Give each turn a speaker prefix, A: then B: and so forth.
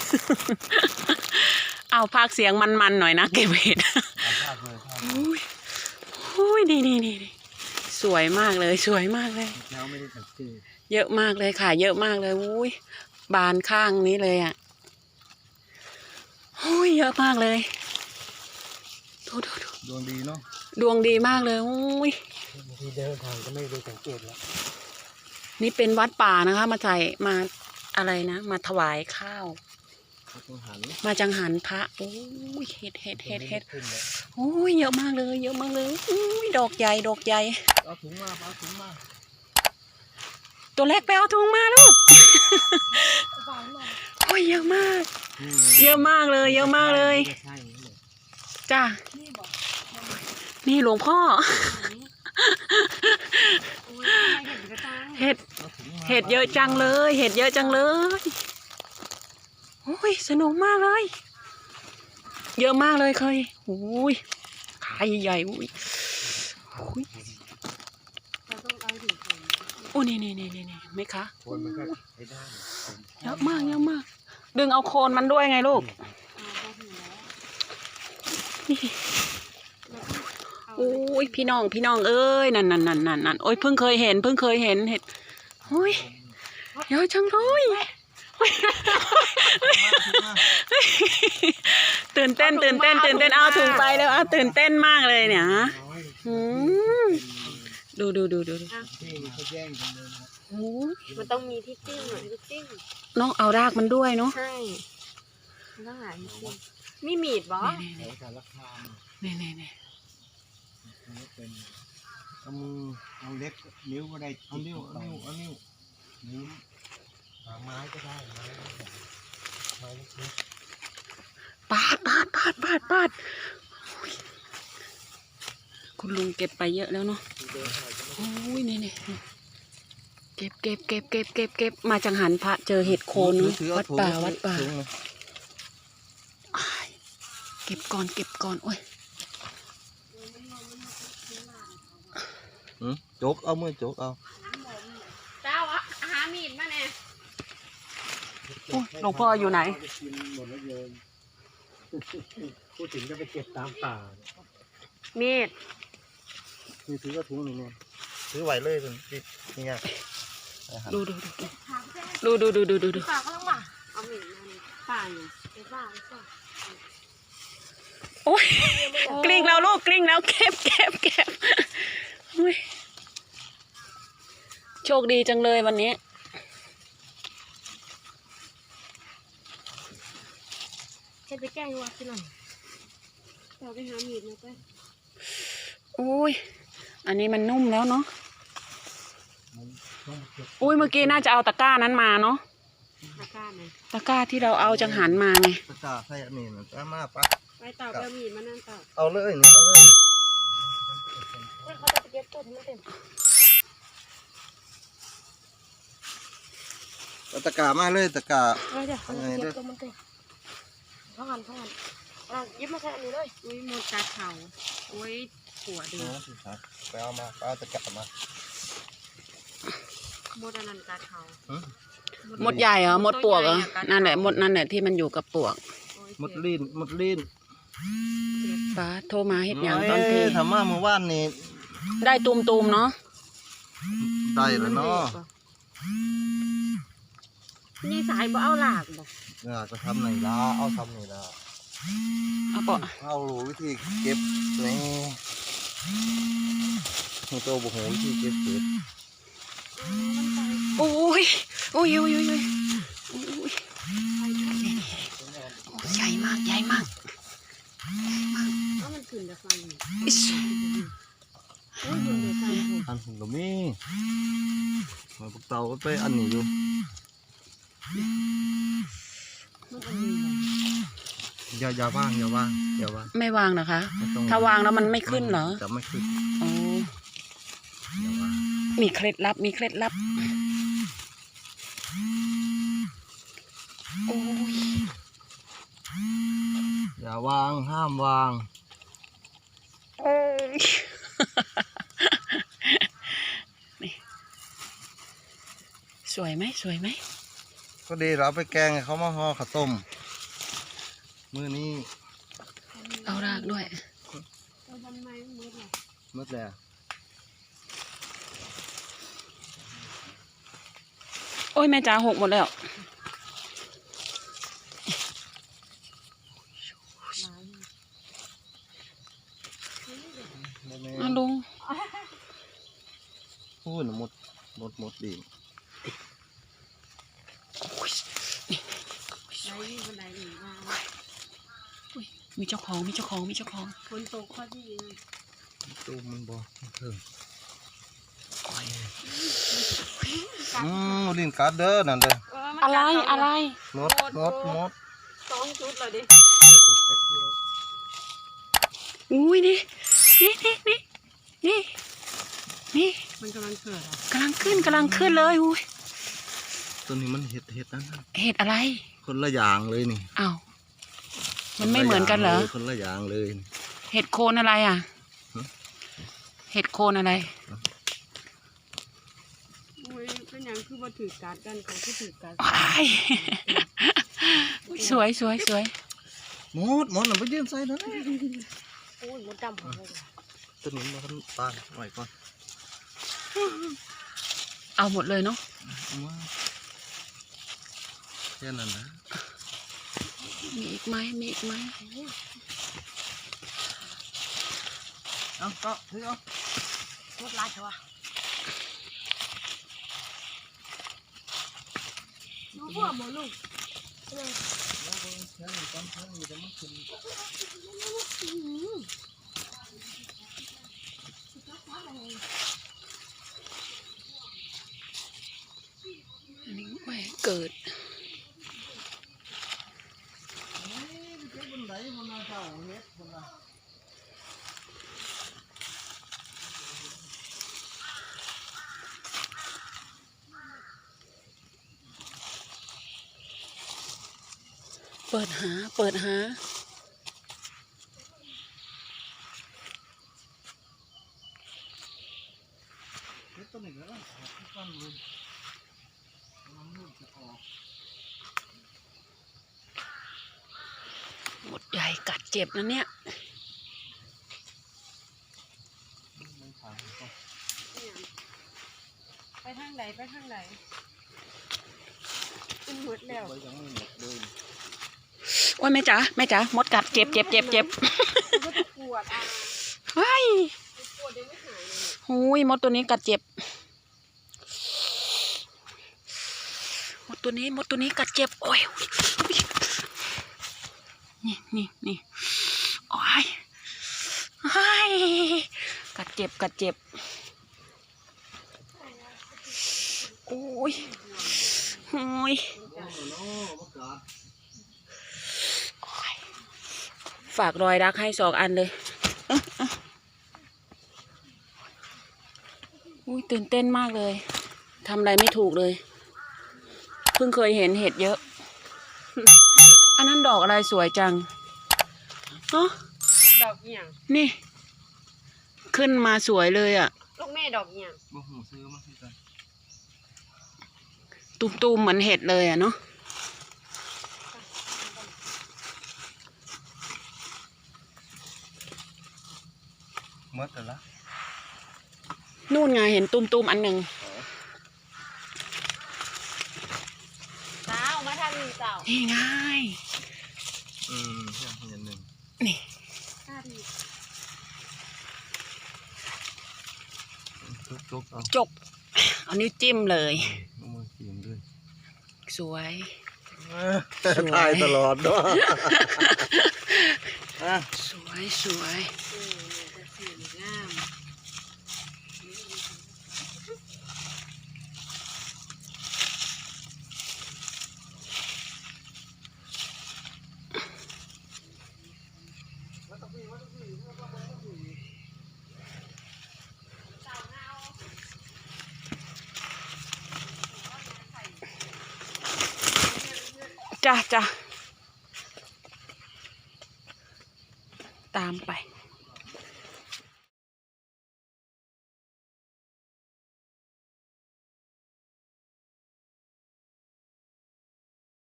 A: เอาพากเสียงมันๆหน่อยนะเก็บเห็ดอุ้ยนี่สวยมากเลยสวยมากเลยเยอะมากเลยค่ะเยอะมากเลยอุ้ยบานข้างนี้เลยอ่ะอุ้ยเยอะมากเลยดู
B: ดวงดีเนาะ
A: ดวงดีมากเลยอุ้ย
B: บางทีเดินทางก็ไม่ได้สังเกตแล้ว
A: นี่เป็นวัดป่านะคะมาใส่มาอะไรนะมาถวายข้าวมาจังหันพระโอ้ยเห็ดโอ้ยเยอะมากเลยเยอะมากเลยอุ้ยดอกใหญ่
B: เอาถุงมา
A: ตัวเล็กไปเอาถุงมาลูกโอ้ยเยอะมากเลยเยอะมากเลยจ้านี่หลวงพ่อเห็ดเยอะจังเลยเห็ดเยอะจังเลยโอ้ยสนุกมากเลยเยอะมากเลยเคยโอ้ยขาใหญ่ๆอุ้ยโอ้นี่ไหมคะเยอะมากดึงเอาโคนมันด้วยไงลูกนี่โอ้ยพี่น้องเอ้ยนั่นโอ้ยเพิ่งเคยเห็นเห็ดโอ้ยเยอะจังเลยตื่นเต้นเอาถุงไปแล้วตื่นเต้นมากเลยเนี่ยดู
C: มันต้องมีที่จิ้มหน่อยที่จิ้ม
A: น้องเอารากมันด้วยเนาะ
C: ใช่ต้องหาที่จิ้มมีมีดบ่
A: นี่
B: เอามือเอาเล็บนิ้วก็ได้เอานิ้วไม้ก็ได้ไม้เล็ก
A: ปาดคุณลุงเก็บไปเยอะแล้วเนาะโอ้ยนี่เก็บมาจังหันพระเจอเห็ดโคนวัดป่าเก็บก่อนโอ้ย
B: โจกเอามือโจกเอา
C: เจ้าหามีดมาแน่
A: หลวงพ่ออยู่ไหน
B: พูดถึงจะไปเก็บตามป่า
C: มีด
B: นี่ถือก็ถุงหนึ่งเนี่ยถือไหวเลยนี่ไง
A: ดู
C: ป่าก็ต้องมาเอามีดมาป่าอยู่ป่า
A: โอ้ยกลิ้งแล้วลูกกลิ้งแล้วเก็บโชคดีจังเลยวันนี้
C: เฮ็ดไปแก้วัดที่หน่อยเราไปหามีดมาไป
A: โอ้ยอันนี้มันนุ่มแล้วเนาะอุ้ยเมื่อกี้น่าจะเอาตะกร้านั้นมาเนาะตะกร้าที่เราเอาจังหันมาไง
B: ตะกร้าใส่อันนี้นะจ้ามาปะ
C: ไปต่อไปมีดมานั่นต่อ
B: เอาเลยนี่เอาเลย
C: เขาจะไปเก็บต้นมันเต็ม
B: ตะกร้ามาเลยตะกร้า
C: เดี๋ยวเก็บต้นมันเต็มท่อนยิบมาใส่อันนี้เลยอุ้ยหมดตาเขาอุ้ยหัวดี
B: ไปเอามาเอาตะกร้ามา
C: หมดอันนั้นตาเขา
A: หมดใหญ่เหรอหมดปวกเหรอนั่นแหละหมดนั่นแหละที่มันอยู่กับปวก
B: หมดลิ้น
A: ป้าโทรมาเฮ็ดอย่างตอนที่
B: ทำมาเมื่อวานนี่
A: ได้ตูมเนาะ
B: ได้แล้วเนาะ
C: นี่สายบ่เอาหลากบ่
B: จะทำไหนล่ะเอาทำไหนล่ะเอารู้วิธีเก็บนี่ตัวบุหวิธีเก็บเห็ด
A: โอ้ยใหญ่มาก
C: มันขึ้นจากฟัง
B: อันหุ่นก็มีมาพวกเตาก็ไปอันนี้อยู่อย่าวาง
A: ไม่วางเหรอคะถ้าวางแล้วมันไม่ขึ้นเหรอ
B: จะไม่ขึ้น
A: โอ้มีเคล็ดลับโอ้ย
B: อย่าวางห้ามวาง
A: สวยไหม
B: ก็ดีเราไปแกงให้เขามาห่อข้าวต้มมื้อนี้
A: เอารากด้วย
C: เอาทำไมมืดล่ะ
B: มืดแล้ว
A: โอ้ยแม่จ๋าหกหมดแล้ว อ่ะลุง
B: พูดหมดดี
C: ไหนหนีมา
A: มีเจ้าของมีเจ้าของมีเจ้าของ
C: ฝนตกข้อที่
B: ตูมมันบ่เพิ่ง
C: กัด
B: ลิ้นกัดเด้อนั่นเด้อ
A: อะไรอะไร
B: หมด
C: 2 ชุดเลยดิ
A: อุ้ยนี่นี่นี่นี่นี่นี่
C: มันกำลังเกิดอ่ะ
A: กำลังขึ้นเลยอุ้ย
B: ตัวนี้มันเห็ดนั่น
A: เห็ดอะไร
B: คนละอย่างเลยนี่
A: อ้าวมันไม่เหมือนกันเหรอ
B: คนละอย่างเลย
A: เห็ดโคนอะไรอ่ะ
B: ฮะ
A: เห็ดโคนอะไร
C: อุ้ยเป็นอย่างคือมาถือการ์ดกันเขาคือถือการ์ด
A: ว้ายอุ๊ยสวยสวยสวย
B: หมดน่ะไปยืนใส่นั่น
C: โอ้ยมดดำของเลย
B: ตัวนี้มันปานไว้ก่อน
A: เอาหมดเลยเนาะ
B: เอามาแค่นั้นนะ
A: มีอีกไหมมีอีกไหม
B: เอาก็ถือเอา
C: มดลายเถอะวะดูพวกหมอลูก
A: อันนี้แหวเกิด เปิดหา
C: ไป
A: หมดใหญ่กัดเจ็บนะเนี่ย
C: ทางไหนเป็นหมดแล้ว
A: โอ้ยแม่จ๋ามดกัดเจ็บ
C: มันก็จะปวดอ่ะ
A: เฮ้ย
C: ปวดยังไม่หายเลย
A: หูยมดตัวนี้กัดเจ็บ มดตัวนี้กัดเจ็บ โอ้ยนี่โอ้ยเฮ้ยกัดเจ็บโอ้ยโอ้ยฝากรอยรักให้2 อันเลยอุ้ยตื่นเต้นมากเลยทำอะไรไม่ถูกเลยเพิ่งเคยเห็นเห็ดเยอะ อันนั้นดอกอะไรสวยจังเนาะ
C: ดอกเหี่ยง
A: นี่ ขึ้นมาสวยเลยอ่ะ
C: ลูกแม่ดอกเหี่ยง
B: บ่หูซื้อมาคือกัน
A: ตูมๆเหมือนเห็ดเลยอ่ะเนาะ
B: หมดแล้วล่ะ
A: นู่นไงเห็นตูมๆอันหนึ่ง
C: สาวมาทางนี้สาว
A: นี่ไง
B: อย่างหนึ่ง
A: นี่
C: ท่าดี
B: จุกเอา
A: จบเอานิ้วจิ้มเลย
B: เอามือกินด้วย
A: สวย
B: ถ่ายตลอดเนาะ
A: สวยสวย
C: จะเสียงาม
A: จ้ะตามไป